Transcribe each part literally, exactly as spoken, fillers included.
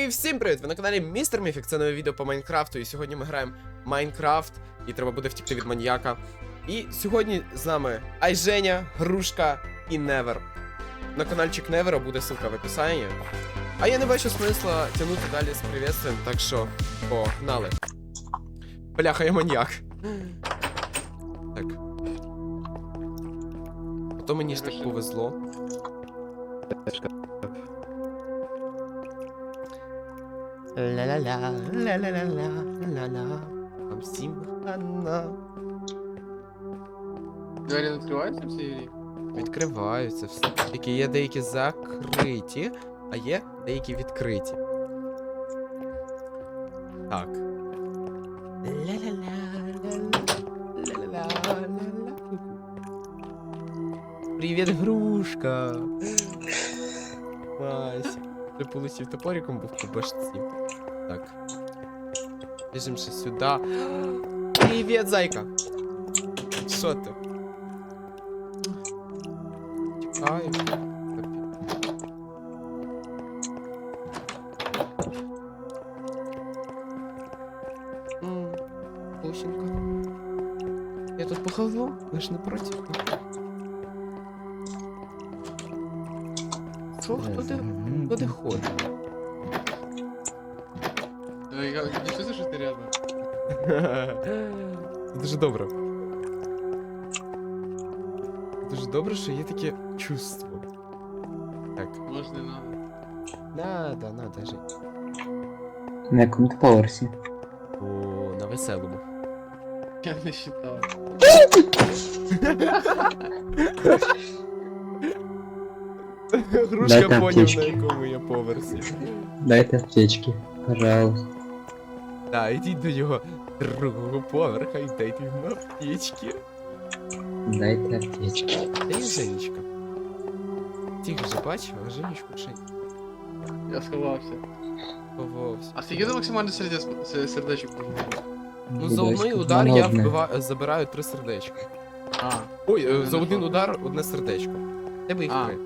всім привіт! Ви на каналі Містер Міфік, це нове відео по Майнкрафту. І сьогодні ми граємо Майнкрафт, і треба буде втікти від маньяка. І сьогодні з нами Айженя, Грушка і Невер. На каналчик Невера буде ссылка в описанні. А я не бачу смисла тягнути далі з приветствием, так що погнали. Бляха, я маньяк. Так. А то мені ж так повезло. Ла-ла-ла, ла-ла-ла-ла-ла-ла. Там всім хана. Двері відкриваються всі Юрій? Відкриваються все. Тільки є деякі закриті, а є деякі відкриті. Так. Привіт, Грушка. Мась. Ти полетів топориком, був по башці. Так. Біжим ще сюди. Привіт, зайка. Що ти? Тікаю. Ммм, Пусенька. Я тут похожу, ви ж не проти. Що, хто де, хто де ходить? Я не чувствую, що ти рядом. Дуже добре. Дуже добре, що є таке чувство. Так. Може не надо. Надо, надо жити. На якому ти поверсі? О, на веселому. Я не считав. Грушка Дайте поняв, на аптечки. якому я поверсі. Дайте аптечки, пожалуйста. Так, ідіть до його другого поверха і дайте йому аптечки. Дайте аптечки. Де є Женечка? Тих вже бачив, а Женечку ще Я сховався. ховався. А скільки ти максимально сердець, се- сердечок поживав? Ну за одний Будь удар я ласка, вбиваю, забираю три сердечка. А, Ой, е, Ну, за ну, один що? удар одне сердечко. Тебе їх А. три.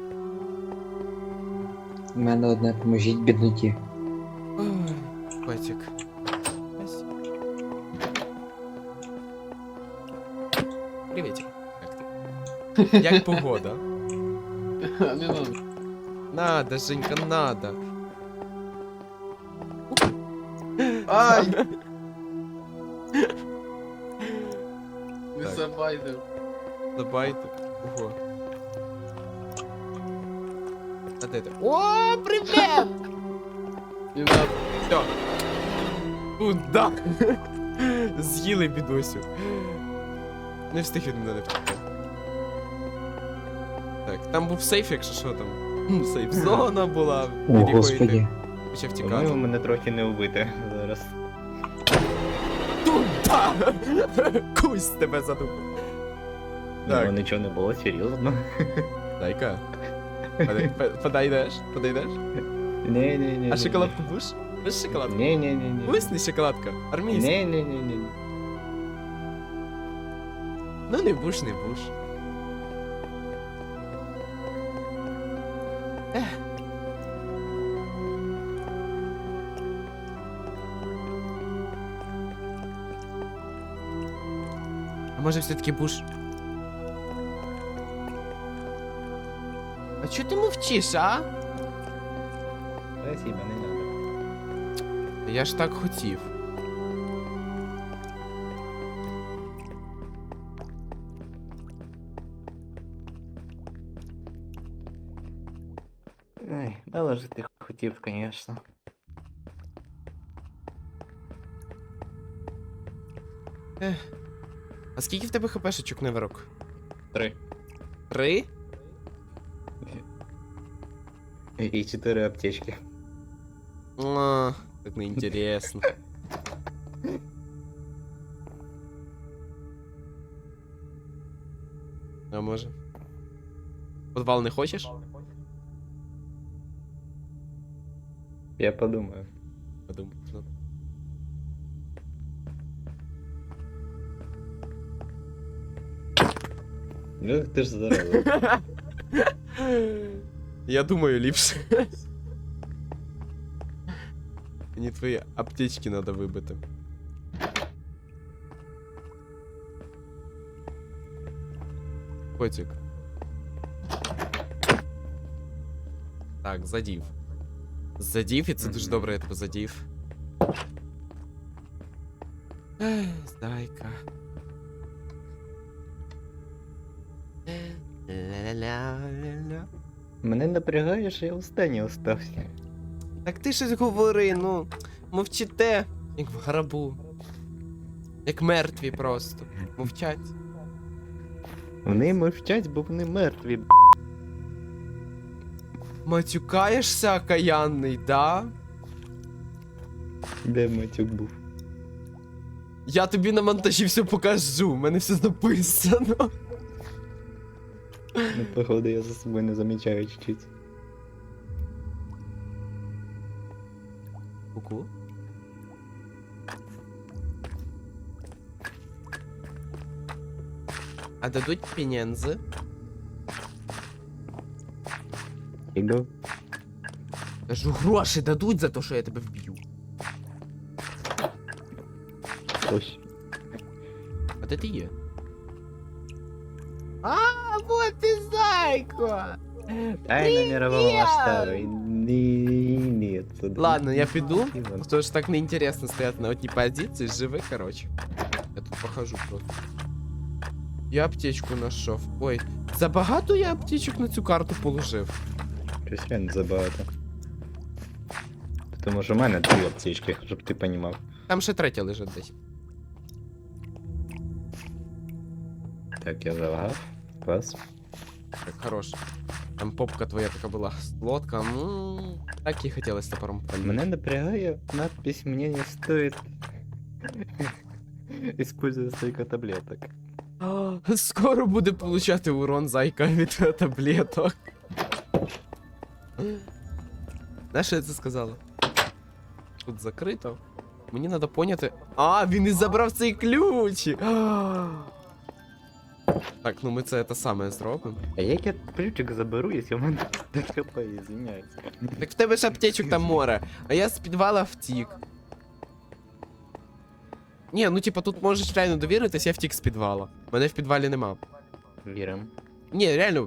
У мене одне поможіть бідноті. Ой, котик. Ась. Привітик. Як ти? Як погода? не надо. Надо, Женька, надо. Ай! Не Так. забайдив. Забайте. Ого. А де ти? О, привіт! Не надо. Все. Куда? З'їли бідосю. Не встиг від мене втекти. Так, там був сейф, якщо що там. Ну, сейф зона була, О, від якої господі. ти почав По-моєму, тікати. мене трохи не вбити зараз. Туда! Кусь тебе задумав. Так. Так, Нічого не було, серйозно. дай-ка. Подай- по- Подойдеш? Подойдеш? Ні, ні, ні. А шоколадку будеш? Будеш шоколадку? Ні, ні, ні, ні. Висни шоколадка, армійська. Ні, ні, ні, ні. Ну не буш, не буш. Ех. А може все-таки буш? А чого ти мовчиш, а? Спасибо, не надо. Я ж так хотів. Ай, але ж ти хотів, звісно. А скільки в тебе хпшечок, Неверок? Три. Три? І чотири аптечки. А, так неінтересно. А може? Подвал не хочеш? Я подумаю. Подумай. ну. Ну, ти ж здоровий. Я думаю, ліпше. Мені твої аптечки надо вибити. Котик. Так, задів. Задів, і це дуже добре, я тебе задів. Ех, зайка. Ля-ля-ля-ля-ля. Мене напрягає, що я останній остався. Так ти щось говори, ну. Мовчите, як в гробу. Як мертві просто. Мовчать. Вони мовчать, бо вони мертві. б***. Матюкаєшся, окаянний, да? Де матюк був? Я тобі на монтажі все покажу, в мене все написано. Ну, походу, я за собою не замічаю чуть-чуть. Ку-ку. А дадуть пенензи? Іду. Кажу, гроші дадуть за те, що я тебе вб'ю. Ось. А де ти є? А, вот ти зайко! Ай, на мировому масштабі. Ні, ні, це... Ладно, я піду, Іван. потому что так неинтересно стоять на одній позиції, живи, короче. Я тут похожу просто. Я аптечку знайшов. Ой, забагато я аптечок на цю карту положив. Щось реально забагато. Тому що в мене дві аптечки, щоб ти понімав. Там ще третя лежить десь. Так, я залагав. Клас. Так, хорош. Там попка твоя така була сладка. Ну, так і хотілося топором пальнути. Мене напрягає надпись «Мне не стоит использовать столько таблеток». А, скоро буде получати урон зайка від таблеток. Знаєш, що я це сказала? Тут закрито. Мені треба поняти. А, він і забрав цей ключ! А. Так, ну ми це те саме зробимо. А як я ключик заберу, якщо в мене ДХП, извиняюсь. Так в тебе ж аптечок там море, а я з підвала втік. Ні, ну типа тут можеш реально довіритись, я втік з підвала. Мене в підвалі нема. Вірим. Ні, реально.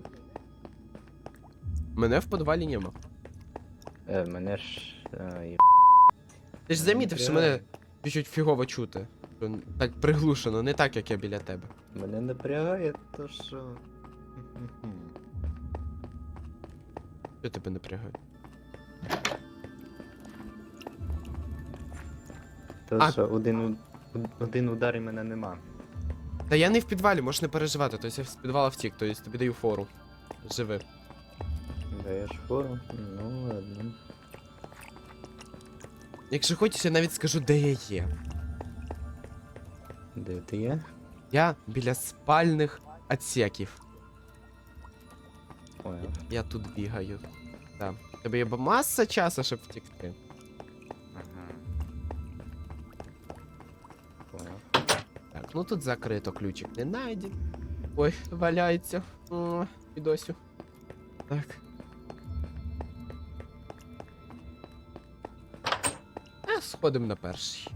Мене в підвалі нема. Е, мене ж... А, є... Ти ж замітив, що мене чуть-чуть фігово чути. Що так приглушено, не так, як я біля тебе. Мене напрягає то, що... Що тебе напрягає? То, А. що один, у- один удар і мене нема. Та я не в підвалі, можеш не переживати, тобто я з підвала втік, тобто тобі даю фору. Живи. Даєш фору? Ну ладно. Якщо хочеш, я навіть скажу, де я є. Де ти є? Я біля спальних отсеків. Ой, Я тут бігаю. Так. У тебе є б- маса часу, щоб втекти. ага. Понял. Так, ну тут закрито, ключик не найден. Ой, валяється. О, підосю. Так. А, сходимо на перший.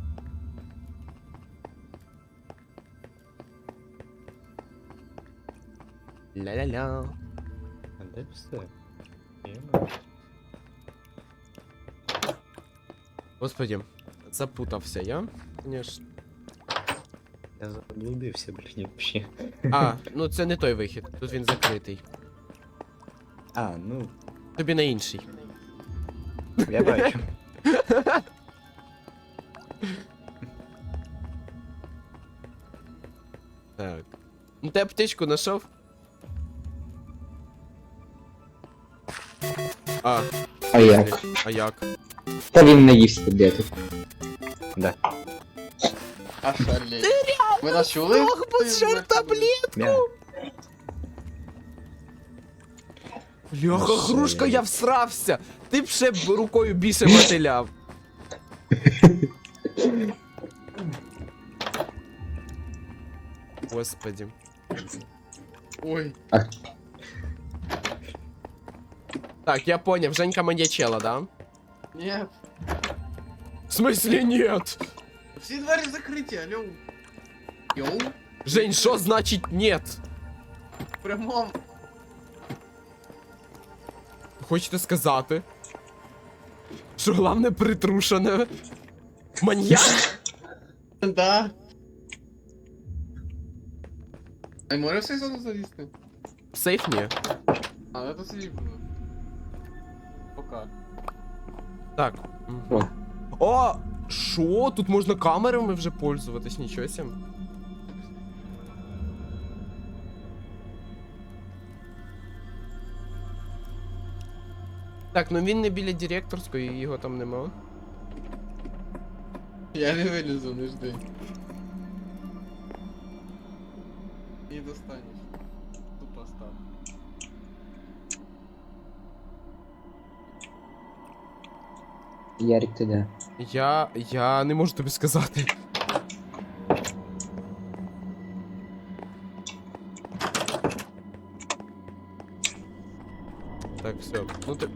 Ля-ля-ля. А де все? Єма. Господи, запутався я, конечно. Я заблудився, блін, вообще. А, ну це не той вихід, тут він закритий. А, ну, Тобі на інший. я бачу. Так. Ну ти аптечку знайшов? А, А як? а як? Та він наївся таблеток. Да. А шалей. Ви нас чули? Ох, бо таблет! Мя. Бляха, Ну, все, грушка, я- я всрався! Ти б ще б рукою більше мотиляв. Господи. Ой. Так, я поняв, Женька маньячела, да? Нет. В смысле нет? Всі двері закриті, алло. Йоу. Жень, що значить нет? В прямому. Хочете сказати? Що головне притрушене? Маньяк? Да. А й може все зону залізти? Сейф ні. А, это сейф було. Пока. Так. О. О! Шо? Тут можна камерами вже пользуватись, нічого сім. Так, ну він не біля директорської, його там нема. Я не вилізу, не жди. І достанеш. Тупо став. Ярик, ти де? Я. я не можу тобі сказати. Так, все. Ну ти.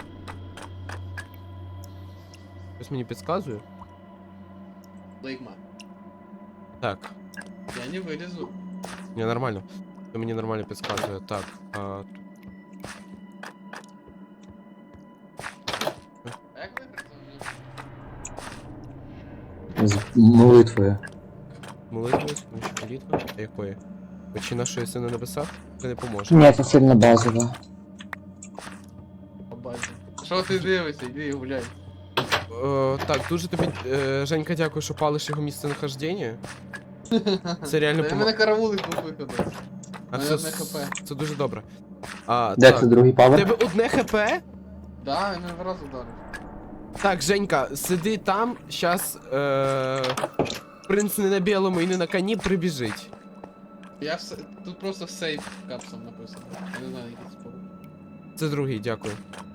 Щось мені підказує. Лейкма. Так. Я не вилізу. Не, нормально. Це мені нормально підказує. Так. А, А як вибрати? З молитвою. молитва, споміж молитва. А якої? Очі нашої сини на небесах? Це не поможе. Ні, це сильно базово. Побачив. Що ти дивишся? Іди гуляй. Е, так, дуже тобі, е, Женька, дякую, що палиш його місце нахождення. Це реально Та помо... мене караулить двох виходить. А мене це, одне хп. це дуже добре. А, Де так. це другий У павер? тебе одне хп? Да, я мене раз ударив. Так, Женька, сиди там, щас е... принц не на білому і не на коні прибіжить. Я все... Тут просто сейф капсом написано. Я не знаю, який спор. Це другий, дякую.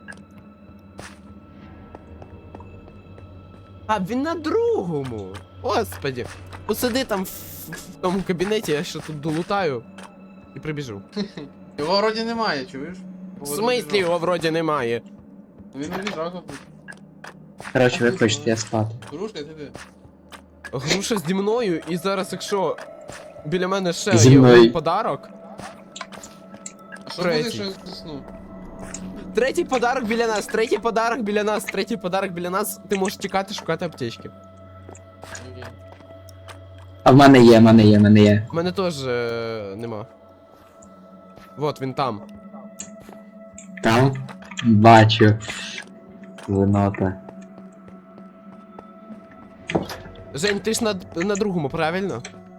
А, він на другому! Господи. Посиди там в, в тому кабінеті, я ще тут долутаю і прибіжу. Його вроді немає, чуєш? В смислі його вроді немає. Він не відразу тут. Коротше, ви хочете, я спати. Дружка, ти де? Груша зі мною, і зараз, якщо біля мене ще Зі є мною. один подарок. А що Третій. буде, що я засну? Третій подарок біля нас, третій подарок біля нас, третій подарок біля нас. Ти можеш тікати, шукати аптечки. Окей. А в мене є, в мене є, в мене є. У мене теж е, нема. Вот він там. Там? Бачу. Винота. Жень, ти ж на, на другому, правильно?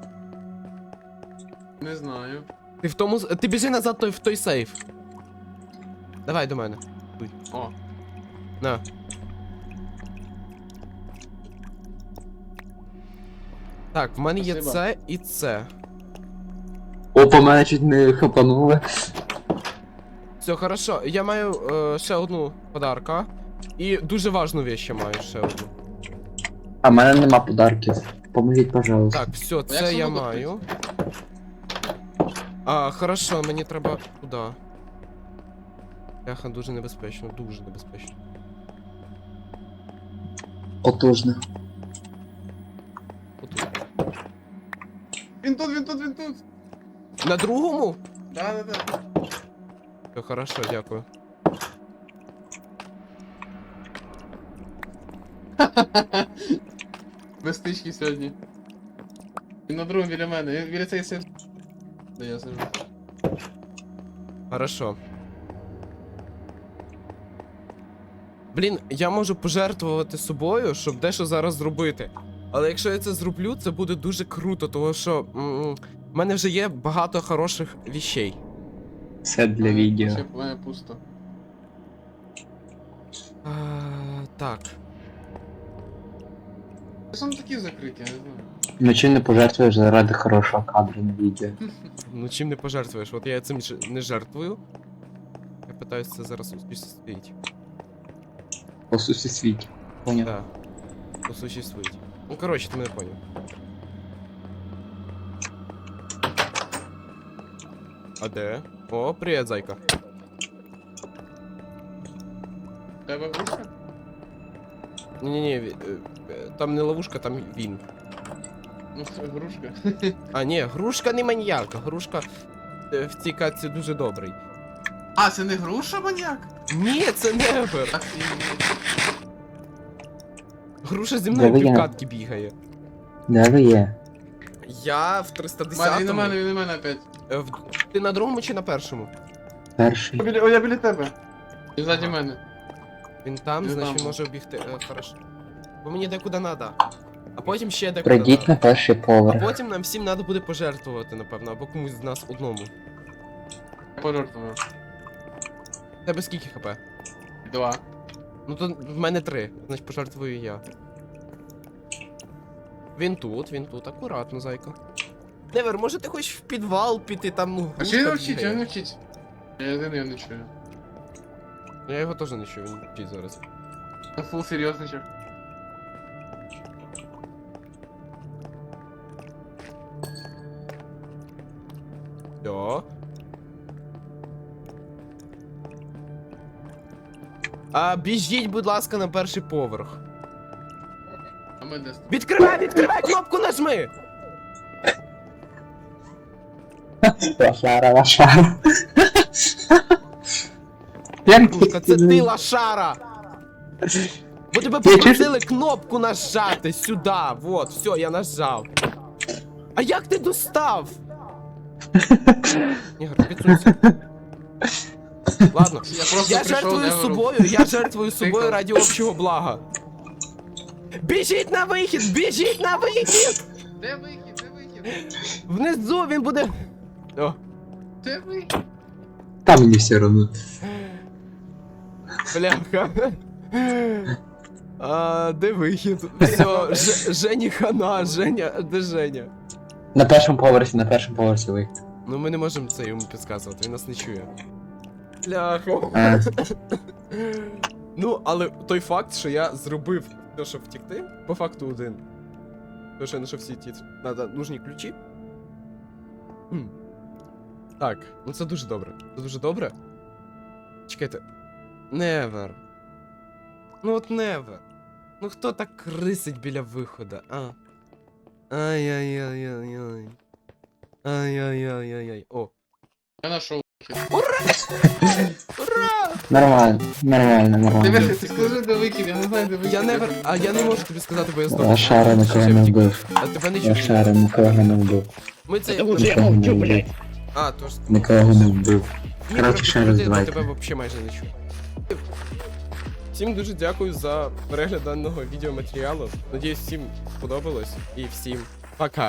Не знаю. Ти в тому. с- Ти біжи назад той, в той сейф. Давай до мене. О, На. Так, в мене є Спасибо. це і це. Опа, мене чуть не хапанули. Все, хорошо. Я маю е, ще одну подарка. І дуже важну вещь ще маю ще одну. А в мене нема подарків. Поможіть, пожалуйста. Так, все, як це я сундук маю. А, хорошо, мені треба туди. Бляха, дуже небезпечно, дуже небезпечно. Потужно. Отут. він тут, він тут, він тут. На другому? Да, да, да. Все, хорошо, дякую. Без стички сьогодні. Він на другому біля мене, він біля цієї сит. Де я сижу. Хорошо. Блін, я можу пожертвувати собою, щоб дещо зараз зробити. Але якщо я це зроблю, це буде дуже круто, тому що м, в мене вже є багато хороших віщей. Все для відео. Ще в мене пусто. А, так. Що вони такі закриті, я не знаю. Ну чим не пожертвуєш заради хорошого кадру на відео. Ну чим не пожертвуєш? От я цим ж не жертвую. Я питаюся це зараз осуществити. Осуществіть. Поняв. Да. Осуществить. Ну коротше, ти мене поняв. А де? О, привіт, зайка. Тебе грушка? Ні-ні-ні, там не ловушка, там він. Ну, це грушка. А, ні, грушка не маньяк, грушка е, в цій катці дуже добрий. А, це не груша, маньяк? Ні, це невер. Так, Груша зі мною Де ви є? півкатки бігає. Де ви є? Я в триста Мене, він на десятому. мене, він на мене опять. Е, в- Ти на другому чи на першому? Перший. О, біля, о, я біля тебе. Він ззаді Ага. мене. Він там, Він значить там. він може обігти. Е, хорошо. Бо мені декуди надо. А потім ще декуди Прийдіть надо. на перший А поверх. потім нам всім треба буде пожертвувати, напевно, або комусь з нас одному. Я пожертвую. В Тебе скільки хп? Два. Ну то в мене три, значить пожертвую я. Він тут, він тут, акуратно, зайка. Невер, може ти хочеш в підвал піти, там, ну, А чи він грушка вчить, бігає? він не вчить. Я єдиний його не чую. Я його теж не чую, він вчить зараз. Це фул серйозний чек. Все. А біжіть, будь ласка, на перший поверх. А ми десь. Відкривай, відкривай, кнопку нажми! Лошара, лошара. Як Слушка, це ти, лошара! Бо тебе Я попросили кнопку нажати сюди, вот, все, я нажав. А як ти достав? Ігор, підсунься. Ладно, Я просто я прийшов, жертвую Неверу. собою, я жертвую собою Тихо. ради общого блага. Біжіть на вихід, біжіть на вихід! Де вихід, де вихід? Внизу він буде. О, Де вихід? Там мені все одно. бляха. А, де вихід? Все, Ж- Жені хана, Женя, де Женя? На першому поверсі, на першому поверсі вихід. Ну ми не можемо це йому підказувати, він нас не чує. Бляха. А, Ну, але той факт, що я зробив те, щоб втікти, по факту один. Тому що я знайшов всі ті надо нужні ключі. М. Так, ну це дуже добре. Це дуже добре. Чекайте. Невер. Ну от невер. Ну хто так крисить біля виходу, а? Ай-яй-яй-яй-яй. Ай-яй-яй-яй-яй. О. Я знайшов. Ура! нормально, нормально, Де нормально. вихід? Ти скажи, де вихід, я не знаю, де вихід. Я невер. А я не можу тобі сказати, бо я здобув. Лошара нікого не вбив. А тебе не чую. Лошара нікого не вбив. Ми це. Нікого не вбив. А, тож. Нікого не вбив. Ні, Коротше, просто ще люди, раз я давайте. тебе взагалі майже не чую. Всім дуже дякую за перегляд даного відеоматеріалу. Надіюсь, всім сподобалось і всім пока.